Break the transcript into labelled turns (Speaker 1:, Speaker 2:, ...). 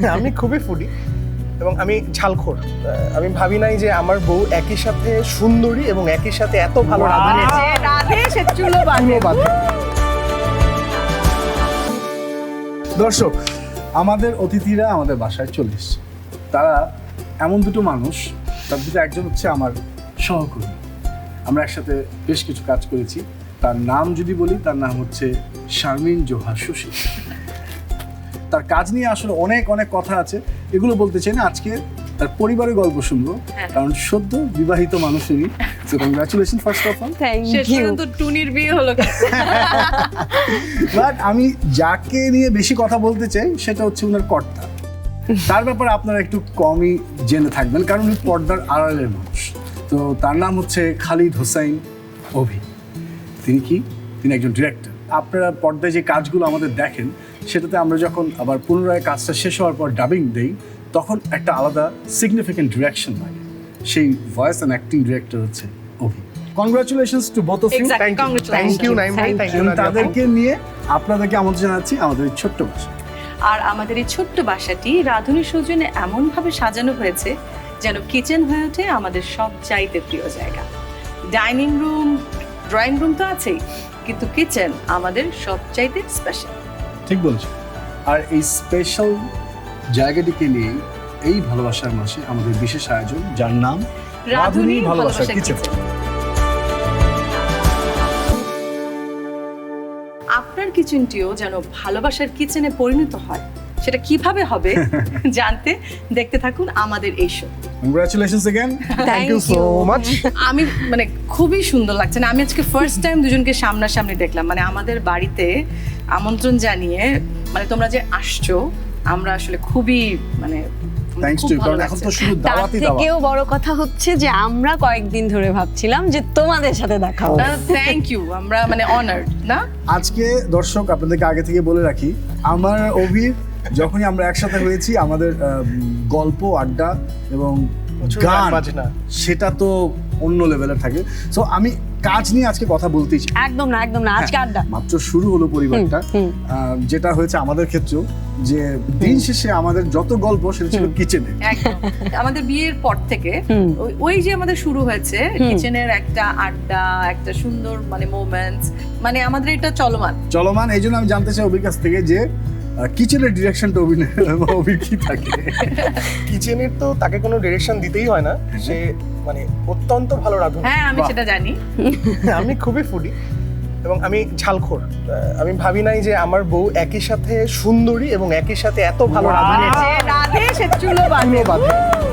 Speaker 1: আমি খুবই ফুডি এবং আমি ঝালখোর। আমি ভাবি নাই যে আমার বউ একই সাথে সুন্দরী এবং একই সাথে এত ভালো রাঁধুনি
Speaker 2: রাধে সে চুলো বাঁধে।
Speaker 3: দর্শক, আমাদের অতিথিরা আমাদের বাসায় চলে এসছে। তারা এমন দুটো মানুষ, তার দুটো একজন হচ্ছে আমার সহকর্মী। আমরা একসাথে বেশ কিছু কাজ করেছি। তার নাম যদি বলি, তার নাম হচ্ছে শারমিন জোহা সুশি। তার কাজ নিয়ে আসলে অনেক অনেক কথা আছে, এগুলো বলতে চাই না। আজকে তার পরিবারের গল্প শুনবো, কারণ সদ্য বিবাহিত মানুষেরই। So congratulation first of all.
Speaker 2: শেষ পর্যন্ত টুনির বিয়ে হলো।
Speaker 3: বাট আমি যাকে নিয়ে বেশি কথা বলতে চাই সেটা হচ্ছে ওনার কর্তা। তার ব্যাপারে আপনারা একটু কমই জেনে থাকবেন, কারণ উনি পর্দার আড়ালের মানুষ। তো তার নাম হচ্ছে খালিদ হোসাইন অভি। তিনি একজন ডিরেক্টর। আপনারা পর্দায় যে কাজগুলো আমাদের দেখেন, সেটাতে আমরা যখন আবার পুনরায় কাজটা শেষ হওয়ার পর ডাবিং দেই, তখন একটা আলাদা সিগনিফিকেন্ট ডিরেকশন লাগে। সেই ভয়েস অ্যান্ড অ্যাক্টিং ডিরেক্টর হচ্ছে Abhi. Congratulations to both of you.
Speaker 1: Thank you Naim ভাই, থ্যাংক ইউ।
Speaker 3: তাদেরকে নিয়ে আপনাদেরকে আমন্ত্রণ জানাচ্ছি আমাদের এই ছোট্ট বাসা।
Speaker 2: আর আমাদের এই ছোট্ট বাসাটি রাঁধুনি সৌজন্যে এমনভাবে সাজানো হয়েছে যেন কিচেন হয়ে ওঠে আমাদের সবচাইতে প্রিয় জায়গা। ডাইনিং রুম, ড্রয়িং রুম তো আছেই, কিন্তু কিচেন আমাদের সবচাইতে স্পেশাল।
Speaker 3: ঠিক বলছো। আর এই স্পেশাল জায়গাটিকে নিয়ে এই ভালোবাসার মাসে আমাদের বিশেষ আয়োজন, যার নাম
Speaker 2: রাঁধুনি ভালোবাসার কিচেন। আপনার কিচেনটিও যেন ভালোবাসার কিচেনে পরিণত হয়, সেটা কিভাবে হবে জানতে দেখতে থাকুন আমাদের এই show.
Speaker 3: Congratulations again.
Speaker 1: Thank you so much.
Speaker 2: আমি মানে খুবই সুন্দর লাগছে না, আমি আজকে ফার্স্ট টাইম দুজনকে সামনাসামনি দেখলাম। মানে আমাদের বাড়িতে আমন্ত্রণ জানিয়ে মানে তোমরা যে আসছো, আমরা আসলে খুবই মানে
Speaker 3: থ্যাঙ্কস টু, কারণ এখন তো শুধু
Speaker 4: তার
Speaker 3: দাওয়াতই দাওয়াত।
Speaker 4: থেকেও বড় কথা হচ্ছে যে আমরা কয়েকদিন ধরে ভাবছিলাম যে তোমাদের সাথে দেখা হবে।
Speaker 2: থ্যাংক ইউ, আমরা মানে অনার্ড না।
Speaker 3: আজকে দর্শক আপনাদেরকে আগে থেকে বলে রাখি, আমার অভির যখনই আমরা একসাথে হয়েছি, আমাদের গল্প, আড্ডা এবং গান
Speaker 1: বাজনা
Speaker 3: সেটা তো অন্য লেভেলের থাকে। সো আমি কাজ নিয়ে আজকে কথা বলতেই চাই।
Speaker 4: একদম না, একদম না, আজকে আড্ডা।
Speaker 3: মাত্র শুরু হলো পরিবারটা, যেটা হয়েছে আমাদের ক্ষেত্রেও, যে দিন শেষে আমাদের যত গল্প সেটা ছিল কিচেনে।
Speaker 2: একদম আমাদের বিয়ের পর থেকে ওই যে আমাদের শুরু হয়েছে কিচেনের একটা আড্ডা, একটা সুন্দর মানে মোমেন্টস, মানে আমাদের এটা চলমান।
Speaker 3: এই জন্য আমি জানতে চাই অভির কাছ থেকে যে কিচেনের ডিরেকশনটা অভির কি থাকে?
Speaker 1: কিচেনের তো তাকে কোনো ডিরেকশন দিতেই হয় না, সে মানে অত্যন্ত ভালো রাঁধুনি।
Speaker 2: হ্যাঁ আমি সেটা জানি।
Speaker 1: আমি খুবই ফুডি এবং আমি ঝালখোর। আমি ভাবি নাই যে আমার বউ একই সাথে সুন্দরী এবং একই সাথে এত ভালো রাঁধুনি
Speaker 2: রাধে সে চুলো বাঁধে।